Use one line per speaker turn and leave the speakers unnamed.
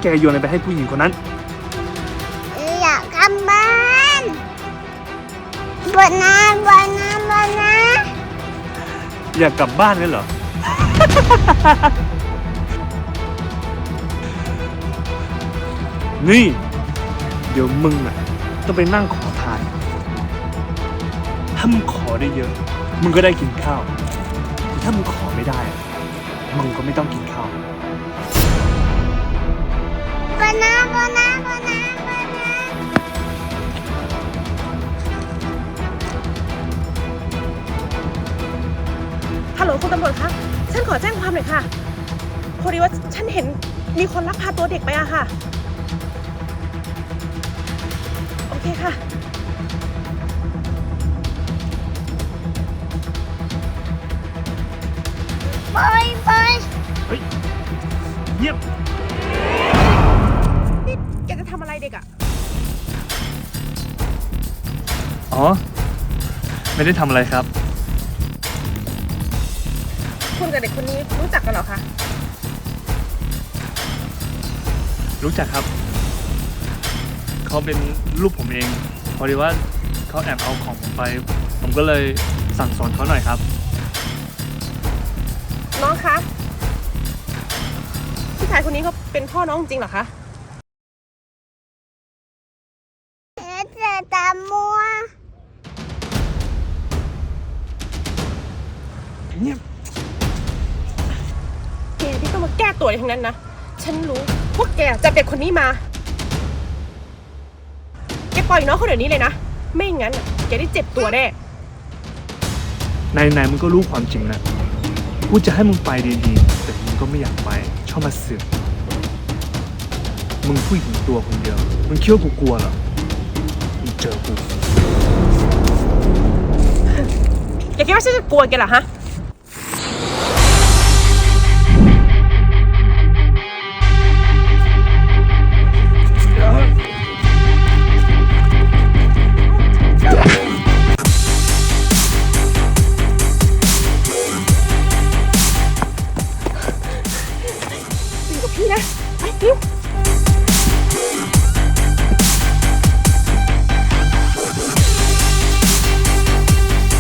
แกโยนอะไรไปให้ผู้หญิงคนนั้น
อยากกลับบ้านบนน้ำบนน้ำบนน้
อยากกลับบ้านเลยเหรอ นี่ เดี๋ยวมึงอ่ะต้องไปนั่งขอทาน ถ้ามึงขอได้เยอะ มึงก็ได้กินข้าวแต่ถ้ามึงขอไม่ได้ มึงก็ไม่ต้องกินข้าว
บนน้ำบนน้ำบนน้ำบนน้ำ
ฮัลโหลคุณตำรวจคะฉันขอแจ้งความหน่อยค่ะพอดีว่าฉันเห็นมีคนลักพาตัวเด็กไปอะค่ะโอเคค่ะ
ปล่อยปล่อย
เฮ้ยเงียบ
นี่แกจะทำอะไรเด็กอะ
อ๋อ ไม่ได้ทำอะไรครับ
คุณกับเด็กคนนี้รู้จักกันเหรอคะ
รู้จักครับ เขาเป็นลูกผมเอง พอดีว่าเขาแอบเอาของผมไป ผมก็เลยสั่งสอนเขาหน่อยครับ
น้องคะผู้ชายคนนี้เขาเป็นพ่อน้องจริงเหรอคะ
เจะตามัว
เงียบ
แกที่ต้องมาแก้ตัวในทั้งนั้นนะฉันรู้พวกแกจับเด็กคนนี้มาแกปล่อยน้องเขาเดี๋ยวนี้เลยนะไม่งั้นน่ะแกได้เจ็บตัวแน่
ไหนๆมึงก็รู้ความจริงนะกูจะให้มึงไปดีๆ แต่มึงก็ไม่อยากไป ชอบมาสืบมึงผู้หญิงตัวคนเดียว มึงคิดว่ากูกลัวเหรอ มึงเจอกู
แกคิดว่าฉันจะกลัวแกเหรอฮะ